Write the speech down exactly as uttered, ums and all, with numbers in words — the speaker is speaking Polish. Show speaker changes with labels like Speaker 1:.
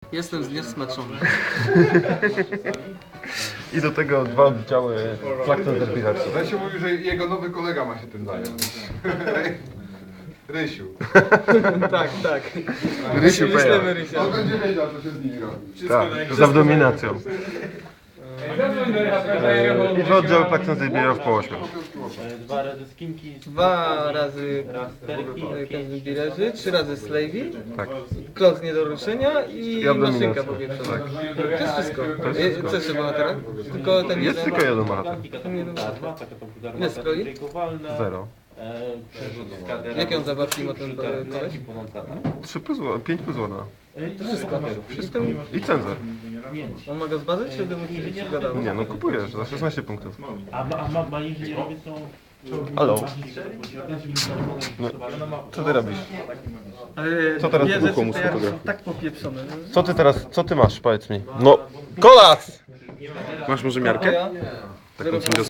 Speaker 1: Jestem zniesmaczony.
Speaker 2: I do tego dwa oddziały Plankton Derbyharsu.
Speaker 3: Rysiu mówił, że jego nowy kolega ma się tym zająć. Rysiu.
Speaker 1: Tak, tak.
Speaker 2: Rysiu
Speaker 1: Wyślemy Rysia.
Speaker 3: On będzie wiedział, co się z nimi robi.
Speaker 2: Tak, z abdominacją. I dwa oddziały Plankton Derbyharsu po ośmiu.
Speaker 4: Dwa razy skinki,
Speaker 1: Dwa razy
Speaker 4: raz sterki,
Speaker 1: Kazimbirerzy, trzy razy Slavey,
Speaker 2: Tak.
Speaker 1: klot nie do ruszenia i
Speaker 2: I abdominacja.
Speaker 1: maszynka powietrzowa.
Speaker 2: Tak.
Speaker 1: To jest wszystko.
Speaker 2: jest wszystko.
Speaker 1: Co jeszcze bohatera? Tylko ten
Speaker 2: Jest
Speaker 1: jeden.
Speaker 2: tylko jeden bohater.
Speaker 1: Ten jeden
Speaker 4: dwa,
Speaker 1: bohater.
Speaker 4: taka komputerna
Speaker 1: Ile stroi?
Speaker 4: trójkowalna,
Speaker 2: Zero.
Speaker 4: e, przerzut z kadera,
Speaker 1: Jakie on zabawki ma ten
Speaker 4: kilka
Speaker 1: koleś?
Speaker 4: energii połączona.
Speaker 2: Trzy plus, pięć plus ładna.
Speaker 4: E, To
Speaker 1: Wszystko. Wszystko.
Speaker 2: I cenzor.
Speaker 1: On ma go zbadać, czy będę mu się gadało?
Speaker 2: Nie, no kupujesz za szesnaście punktów.
Speaker 4: A, ma- a ma, ma inżynierowie są...
Speaker 2: Halo. No, co ty robisz?
Speaker 1: Ale
Speaker 2: Co teraz
Speaker 1: dwie
Speaker 2: wybuchło
Speaker 1: rzeczy
Speaker 2: mu z
Speaker 1: to jak są
Speaker 2: fotografii?
Speaker 1: tak popieprzone.
Speaker 2: Co ty teraz, co ty masz, powiedz mi? No, kolas! Masz może miarkę?
Speaker 1: Ja?
Speaker 2: Taką